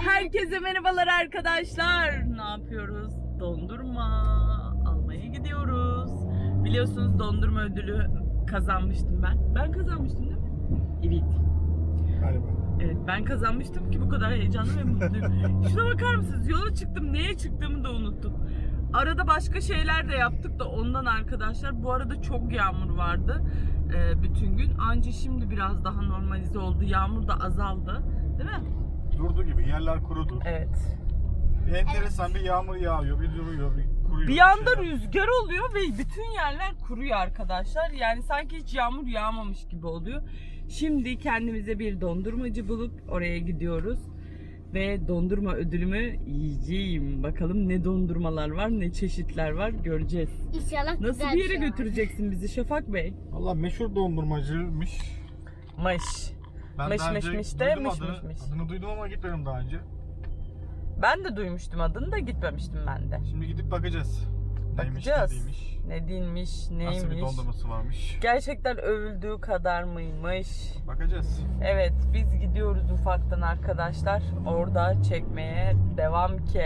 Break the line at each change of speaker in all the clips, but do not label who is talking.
Herkese merhabalar arkadaşlar. Ne yapıyoruz? Dondurma almaya gidiyoruz. Biliyorsunuz dondurma ödülü kazanmıştım ben. Ben kazanmıştım değil mi? Evet.
Galiba.
Evet, ben kazanmıştım ki bu kadar heyecanlı ve mutluyum. Şuna bakar mısınız? Yola çıktım. Neye çıktığımı da unuttum. Arada başka şeyler de yaptık da ondan arkadaşlar. Bu arada çok yağmur vardı bütün gün. Anca şimdi biraz daha normalize oldu. Yağmur da azaldı. Değil mi?
Durdu gibi, yerler kurudu.
Evet.
Enteresan bir yağmur yağıyor, bir duruyor, bir kuruyor.
Bir anda
şeyler.
rüzgar oluyor ve bütün yerler kuruyor arkadaşlar. Yani sanki hiç yağmur yağmamış gibi oluyor. Şimdi kendimize bir dondurmacı bulup oraya gidiyoruz. Ve dondurma ödülümü yiyeceğim. Bakalım ne dondurmalar var, ne çeşitler var göreceğiz.
İnşallah
Nasıl
güzel
bir yere
şey var.
götüreceksin bizi Şafak Bey?
Valla meşhur dondurmacıymış.
Mış.
Ben
Mış
daha
mış
önce
mış de
duydum
mış
adını.
mış mış.
Adını duydum ama gitmedim daha önce.
Ben de duymuştum adını da gitmemiştim ben de.
Şimdi gidip bakacağız. Neymiş,
Bakacağız.
ne değilmiş.
Ne değilmiş, neymiş.
Nasıl bir dondurması varmış.
Gerçekten övüldüğü kadar mıymış?
Bakacağız.
Evet, biz gidiyoruz ufaktan arkadaşlar. Orada çekmeye devam ki.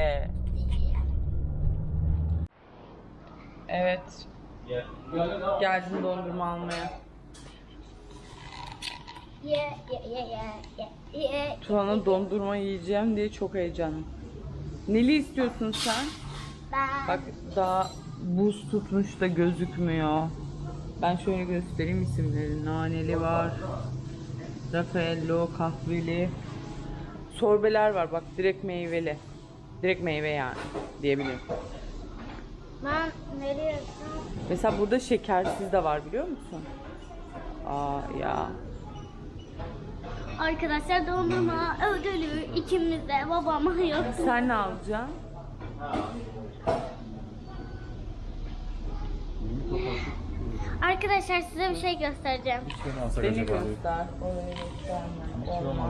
Evet. Geldim dondurma almaya. Tuana dondurma yiyeceğim diye çok heyecanlıyım. Neli istiyorsun sen?
Ben
Bak daha buz tutmuş da gözükmüyor. Ben şöyle göstereyim isimleri. Naneli var. Raffaello, kahveli. Sorbeler var bak, direkt meyveli. Direkt meyve yani diyebilirim.
nereye?
Mesela burada şekersiz de var biliyor musun? Aa ya.
Arkadaşlar dondurma ödülü ikimiz de babama yok.
Sen ne alacaksın?
Arkadaşlar size bir şey göstereceğim.
Beni göster. Orayı gösterme. Olmaz.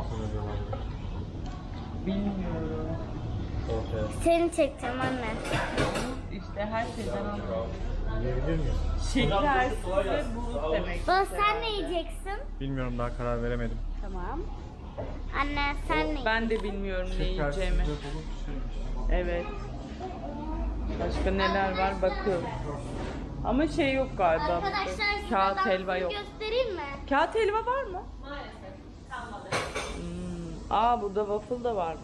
Bilmiyorum.
Seni çekeceğim anne.
İşte her şeyden alıyorum.
Yiyebilir miyiz?
Şekersiz ve buz demek.
Baba sen ne yiyeceksin?
Bilmiyorum, daha karar veremedim.
Tamam. Anne sen ne yiyeceksin?
Ben de bilmiyorum ne yiyeceğimi. Evet. Başka neler var bakıyorum. Ama şey yok galiba.
Arkadaşlar
burada.
size
Kağıt
ben
helva
size
yok.
göstereyim mi?
Kağıt helva var mı? Aa burada waffle da varmış.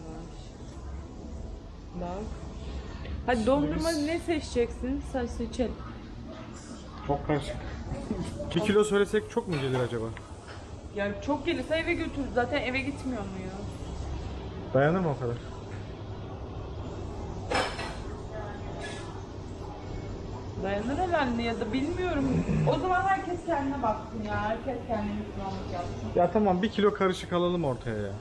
Bak. Hadi dondurma ne seçeceksin? Sen seçelim.
Çok karışık. 1 kilo söylesek çok mu gelir acaba?
Ya çok gelirse eve götür. Zaten eve gitmiyor mu ya?
Dayanır mı o kadar?
Dayanır herhalde ya da bilmiyorum. O zaman herkes kendine baksın ya. Herkes kendine Müslümanlık yapsın.
Ya tamam, 1 kilo karışık alalım ortaya ya.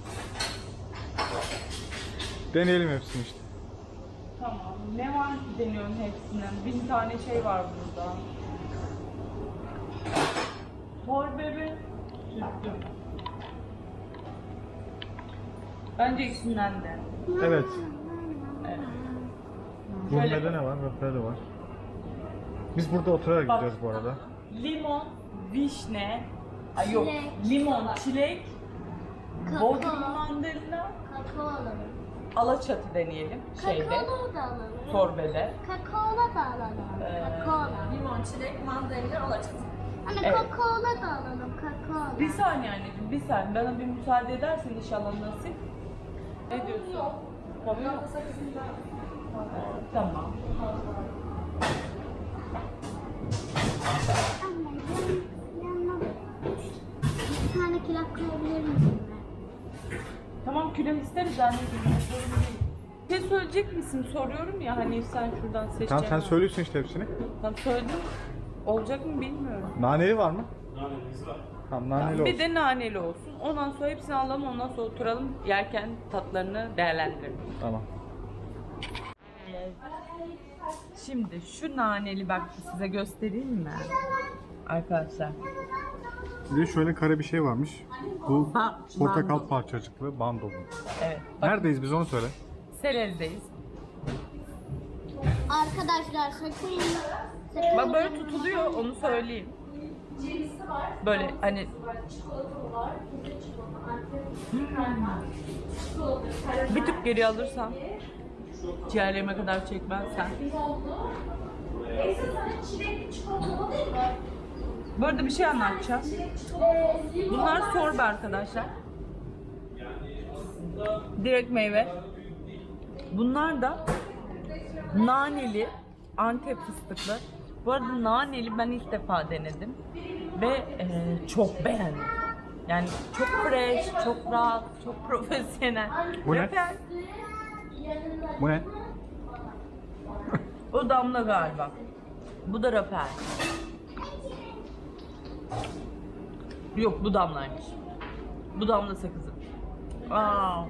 Deneyelim hepsini işte.
Tamam. Ne var ki deniyorum hepsinden. 1000 tane şey var burada. Mor bebe. Sütlü. Bence ikisinden de.
Evet.
Evet.
Gurmede ne var? Röpede var. Biz burada oturarak
Bak.
gideceğiz bu arada.
Limon, vişne, ay yok,
Çilek.
limon, çilek,
Kakao.
bodrum mandalina,
Kakao alalım.
alaçatı deneyelim şeyde,
Kakaolu da alalım.
sorbede.
Kakaola da alalım. Kakaola.
Limon, çilek, mandalina, alaçatı.
Anne
Evet.
kakaola da alalım. Kakaola.
Bir saniye anneciğim, bir saniye. Bana bir müsaade edersin inşallah nasip. Ne diyorsun? Tabii yok. Tamam.
Anne yanına bir tane kilak koyabilir misin?
Tamam külah isteriz anneciğim. Sorun değil. Bir şey söyleyecek misin? Soruyorum ya hani sen şuradan seçeceksin.
Tamam, sen söylüyorsun işte hepsini.
Tamam söyledim. Olacak mı bilmiyorum.
Naneli var mı? Nanelimiz var. Tamam, naneli
Bir
olsun.
de naneli olsun. Ondan sonra hepsini alalım, ondan sonra oturalım. Yerken tatlarını değerlendirelim.
Tamam.
Şimdi şu naneli bak size göstereyim mi? Arkadaşlar.
Bir de şöyle kare bir şey varmış. Bu
Ha,
portakal
bando.
parçacıklı bando bu.
Evet. Bak
Neredeyiz biz, onu söyle.
Selez'deyiz.
Arkadaşlar sakın
Bak böyle tutuluyor onu söyleyeyim. Böyle hani bir tık geri alırsan, ciğerlerime kadar çekmezsen. Bu arada bir şey anlatacağım. Bunlar sorbe arkadaşlar. Direkt meyve. Bunlar da naneli, Antep fıstıklı. Bu arada naneli ben ilk defa denedim ve çok beğendim. Yani çok fresh, çok rahat, çok profesyonel.
Bu ne?
Refer.
Bu ne?
O damla galiba. Bu da raper. Yok, bu damlaymış. Bu damla sakızı. Aa.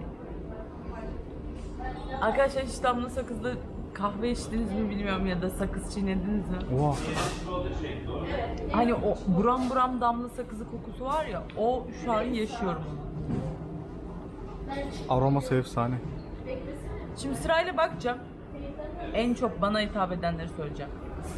Arkadaşlar hiç damla sakızlı kahve içtiniz mi bilmiyorum ya da sakız çiğnediniz mi?
Oha.
Hani o buram buram damla sakızı kokusu var ya, o şu an yaşıyorum onu.
Aroması efsane.
Şimdi sırayla bakacağım. En çok bana hitap edenleri söyleyeceğim.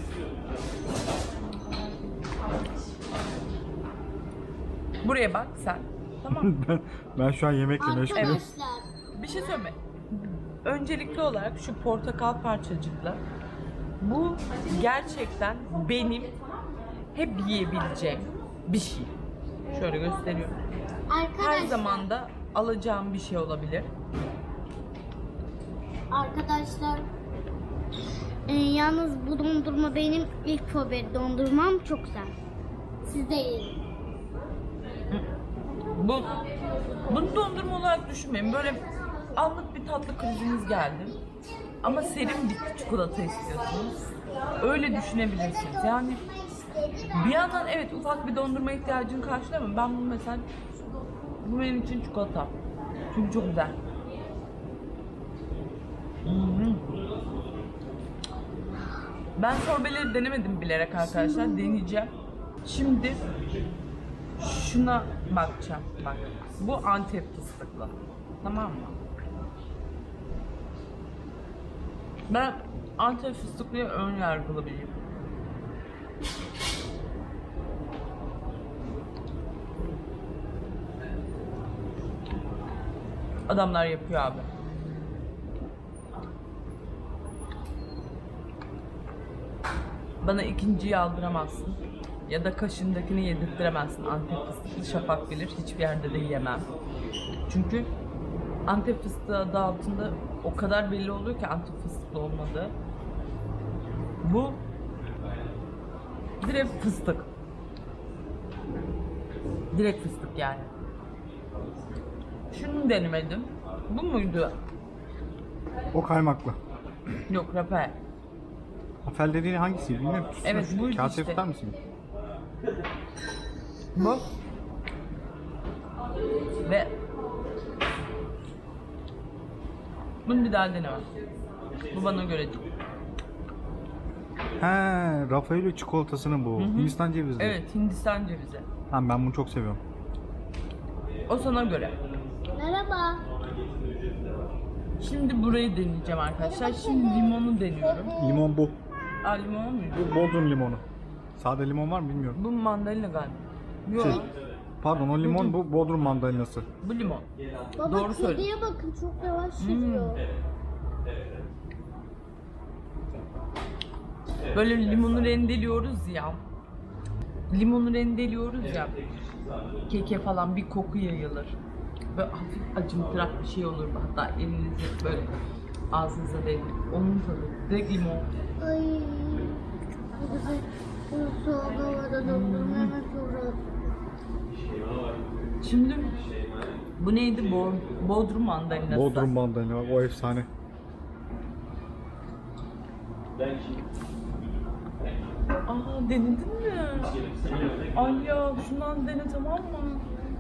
Buraya bak sen. Tamam mı?
Ben şu an yemekle meşgulüm.
Arkadaşlar.
Bir şey söyleme. Öncelikli olarak şu portakal parçacıkla, bu gerçekten benim hep yiyebileceğim bir şey. Şöyle gösteriyorum. Her
Arkadaşlar.
zaman da alacağım bir şey olabilir.
Arkadaşlar. Yalnız bu dondurma benim ilk favori dondurmam, çok güzel. Siz de yiyin.
Bunu dondurma olarak düşünmeyin. Böyle anlık bir tatlı kriziniz geldi. Ama serin bir çikolata istiyorsunuz. Öyle düşünebilirsiniz. Yani bir yandan evet ufak bir dondurma ihtiyacını karşılıyor ama ben bunu mesela, bu benim için çikolata. Çünkü çok güzel. Ben sorbeleri denemedim bilerek arkadaşlar. Deneyeceğim. Şimdi şuna bakacağım. Bak. Bu Antep fıstıklı. Tamam mı? Ben Antep fıstıklıya ön yargılı biriyim. Adamlar yapıyor abi. Bana ikinciyi aldıramazsın. Ya da kaşındakini yedirttiremezsin. Antep fıstıklı Şafak bilir. Hiçbir yerde de yiyemem. Çünkü Antep fıstığı adı altında o kadar belli oluyor ki Antep fıstıklı olmadığı. Bu direkt fıstık. Direkt fıstık yani. Şunu denemedim. Bu muydu?
O kaymaklı.
Yok, raper.
Afel dediğin hangisiydi bilmiyorum.
Evet, buydu
Kase
işte.
tutar mısın?
Bu. Ve bunu bir daha denemem. Bu bana göre değil.
He, Raffaello çikolatasının bu. Hindistan cevizli.
Evet, Hindistan cevizi.
Ha, ben bunu çok seviyorum.
O sana göre.
Merhaba.
Şimdi burayı deneyeceğim arkadaşlar. Şimdi limonu deniyorum.
Limon bu.
Aa, limon muydu?
Bu Bodrum limonu. Sade limon var mı bilmiyorum.
Bu mandalina galiba. Yok.
Şey, pardon, o limon bu Bodrum mandalinası.
Bu limon.
Baba,
Doğru söyle.
kediye bakın, çok yavaş yürüyor.
Böyle limonu rendeliyoruz ya. Limonu rendeliyoruz ya. Keke falan bir koku yayılır. Böyle hafif acımtırak bir şey olur. Hatta elinizi böyle ağzınıza değdir. Onun tadı. Direkt limon.
Ay. Bu güzel. Bu soğuk havada dondurma hemen çok rahat.
Şimdi bu neydi? Bodrum mandalinası.
Bodrum mandalina, o efsane.
Aa, denedin mi? Ay ya, şundan dene, tamam mı?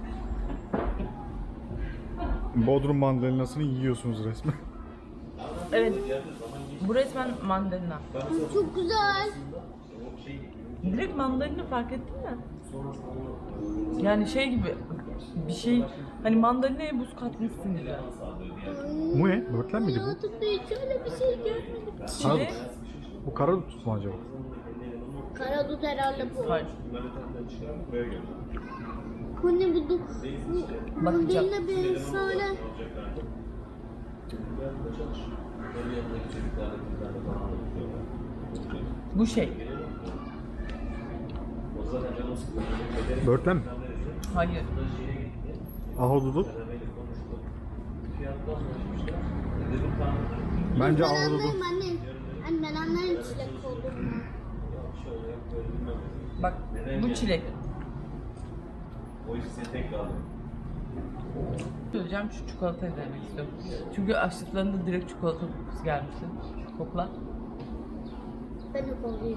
Bodrum mandalinasını yiyorsunuz resmen.
Evet. Bu resmen mandalina.
Çok güzel.
Direkt mandalina, fark ettin mi? Yani şey gibi bir şey, hani mandalinaya buz katmışsın gibi.
Bu ne? Böğürtlen miydi bu?
Hayatımda hiç öyle bir şey görmedim.
Çile,
Bu karadut mu acaba?
Karadut herhalde bu.
Hayır.
Bu ne bu? Bu
Bakacağım.
değil de bir efsane.
Bu şey.
Börtlen mi?
Hayır.
Ahududuk. Bence
Ben
ahududuk.
anlarım anne. Anne ben anlarım çilek olduğunu.
Bak bu çilek. Söyleyeceğim, şu çikolatayı denemek istiyorum. Çünkü açtıklarında direkt çikolata kokusu gelmişti. Kokla.
Ben de koklayacağım.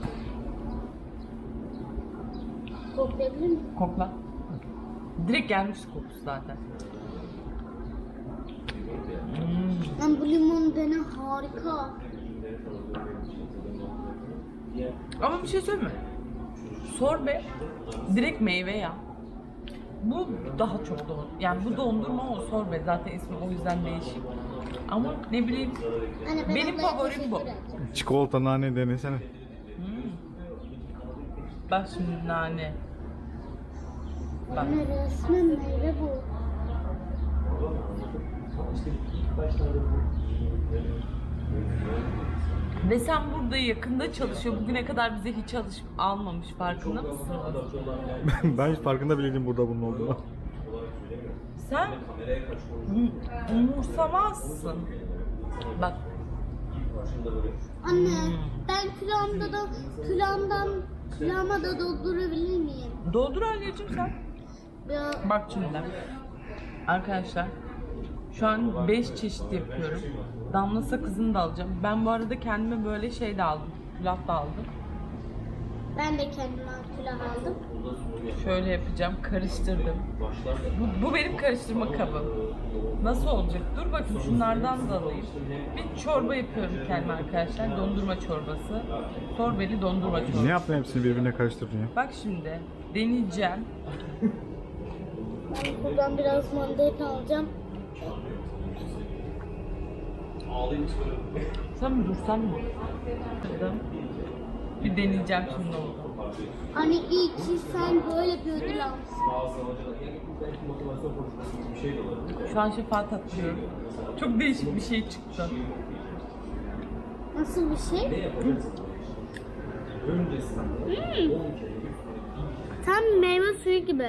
Koklayabilir miyim?
Kokla. Direkt gelmişti kokusu zaten.
Ben bu limon dene harika.
Ama bir şey söyleyeyim mi? Sorbe direkt meyve ya. Bu daha çok yani bu dondurma, o sorbe, zaten ismi o yüzden değişik. Ama ne bileyim,
Anne, ben
benim
ablaya
favorim bu.
teşekkür ederim.
Çikolata nane denesene.
Bak şimdi nane. Bak.
Anne resmen meyve bu.
Ve sen burada yakında çalışıyor. Bugüne kadar bize hiç almamış, farkında mısın?
Ben hiç farkında bile değilim burada bunun olduğunu.
Sen umursamazsın. Bak.
Anne ben külahıma da doldurabilir miyim?
Doldur anneciğim sen.
Ya,
Bak şimdi. Arkadaşlar, şu an 5 çeşit yapıyorum. Damla sakızını da alacağım. Ben bu arada kendime böyle şey de aldım. Külah da aldım.
ben de kendime külah aldım.
Şöyle yapacağım. Karıştırdım. Bu benim karıştırma kabım. Nasıl olacak? Dur bakayım, şunlardan da alayım. Bir çorba yapıyorum kendime arkadaşlar. Dondurma çorbası. Sorbeli dondurma çorbası.
Ne yaptın hepsini birbirine karıştırdın ya?
Bak şimdi deneyeceğim.
Ben buradan biraz mandalina alacağım.
Sen mi dursan mı? Bir deneyeceğim şimdi oldu.
Hani iyi ki sen böyle bir ödül almışsın.
Şu an şefaat atlıyorum. Çok değişik bir şey çıktı.
Nasıl bir şey? Tam meyve suyu gibi.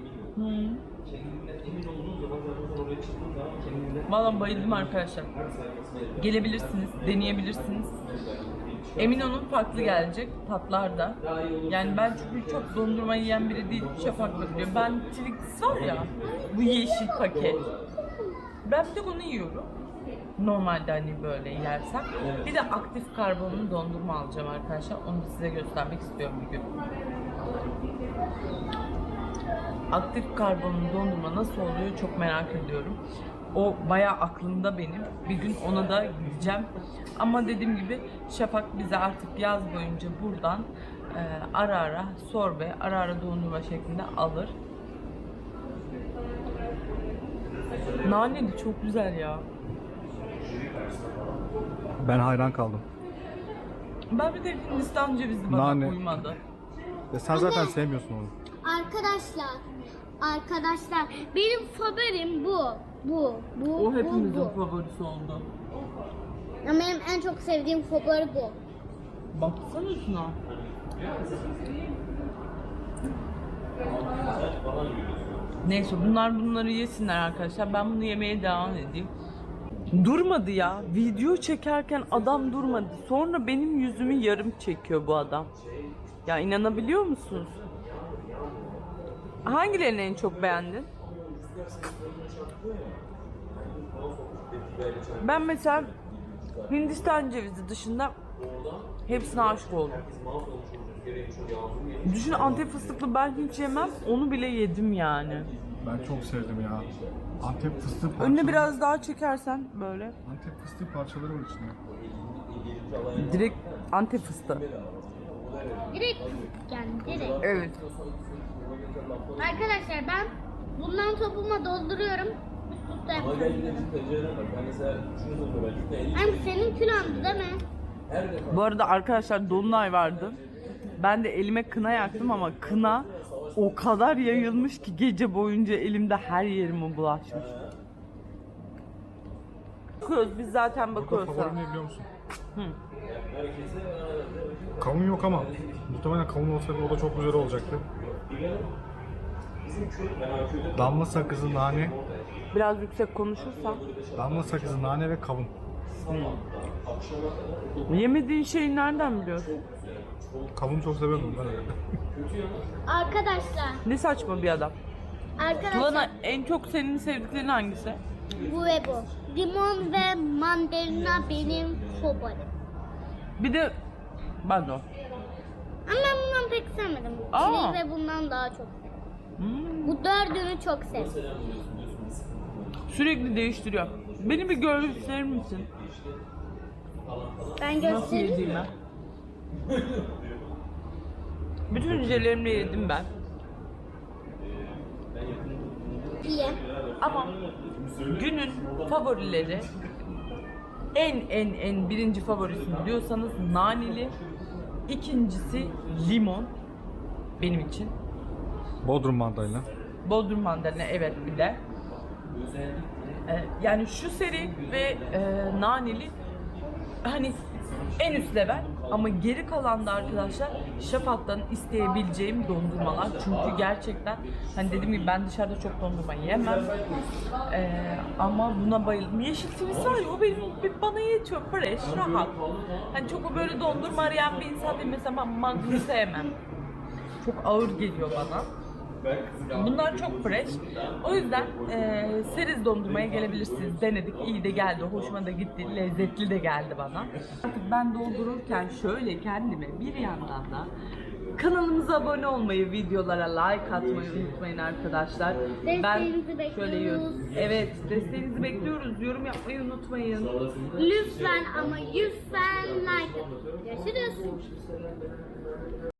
Vallahi bayıldım arkadaşlar. Gelebilirsiniz, deneyebilirsiniz. Emin olun farklı gelecek tatlar da. Yani ben çünkü çok dondurma yiyen biri değil, Şafak'la biliyor. Ben Twix var ya, bu yeşil paket. Ben bir tek onu yiyorum. Normalde hani böyle yersem. Bir de aktif karbonlu dondurma alacağım arkadaşlar. Onu da size göstermek istiyorum bir gün. Aktif karbonlu dondurma nasıl oluyor çok merak ediyorum. O bayağı aklımda benim. Bir gün ona da gideceğim. Ama dediğim gibi Şafak bize artık yaz boyunca buradan ara ara sorbe, ara ara dondurma şeklinde alır. Naneli çok güzel ya.
Ben hayran kaldım.
Ben bir de Hindistan cevizi bana
Nane.
uymadı.
Sen zaten sevmiyorsun onu.
Arkadaşlar benim favorim bu.
O hepimizin
bu.
favorisi oldu.
Ama benim en çok sevdiğim favori bu.
Baksana şuna. Neyse bunları yesinler arkadaşlar. Ben bunu yemeye devam edeyim. Durmadı ya. Video çekerken adam durmadı. Sonra benim yüzümü yarım çekiyor bu adam. Ya inanabiliyor musunuz? Hangilerini en çok beğendin? Ben mesela Hindistan cevizi dışında hepsine aşık oldum. Düşün, Antep fıstıklı ben hiç yemem. Onu bile yedim yani.
Ben çok sevdim ya. Antep fıstığı parçaları.
Önüne biraz daha çekersen böyle.
Antep fıstığı parçaları var içinde.
Direkt Antep fıstığı.
Direkt yani direkt.
Evet.
Arkadaşlar ben bundan topuma dolduruyorum. Üst üste yapıyorum. Hem senin kilondi değil mi?
Bu arada arkadaşlar dolunay vardı. Ben de elime kına yaktım ama kına o kadar yayılmış ki gece boyunca elimde her yerime bulaşmış. Bakıyoruz biz zaten bakıyoruz.
Burada favori ne biliyor musun? Kavun yok ama muhtemelen kavun olsaydı o da çok güzel olacaktı. Damla sakızı, nane,
Biraz yüksek konuşursan.
damla sakızı, nane ve kavun.
Yemediğin şeyi nereden biliyorsun?
Kavun çok seviyorum ben öyle.
Arkadaşlar.
Ne saçma bir adam.
Arkadaşlar.
Tuana en çok senin sevdiklerin hangisi?
Bu ve bu. Limon ve mandalina benim favorim.
Bir de ben de o.
Ama ben bundan pek sevmedim.
Aa.
Çileği ve bundan daha çok sevdim. Bu dördünü çok sevdim.
Sürekli değiştiriyor. Beni bir gösterir misin?
Ben
Nasıl
göstereyim.
yediğimi? Bütün hücrelerimle yedim ben.
İyi.
Ama günün favorileri en birinci favorisini diyorsanız naneli, ikincisi limon benim için.
Bodrum mandalina.
Bodrum mandalina evet bir de. Yani şu seri ve naneli hani en üst level ama geri kalan da arkadaşlar Şafak'tan isteyebileceğim dondurmalar çünkü gerçekten hani dediğim gibi ben dışarıda çok dondurma yemem ama buna bayıldım. Yeşil twist var ya o benim bana yetiyor fresh rahat hani çok o böyle dondurma arayan bir insan değil mesela ben Magnum sevmem çok ağır geliyor bana. Bunlar çok fresh. O yüzden seriz dondurmaya gelebilirsiniz. Denedik, iyi de geldi, hoşuma da gitti, lezzetli de geldi bana. Artık ben doldururken şöyle kendime bir yandan da kanalımıza abone olmayı, videolara like atmayı unutmayın arkadaşlar.
Desteğinizi
şöyle
bekliyoruz.
evet, desteğinizi bekliyoruz. Yorum yapmayı unutmayın.
Lütfen ama lütfen like atın. Görüşürüz.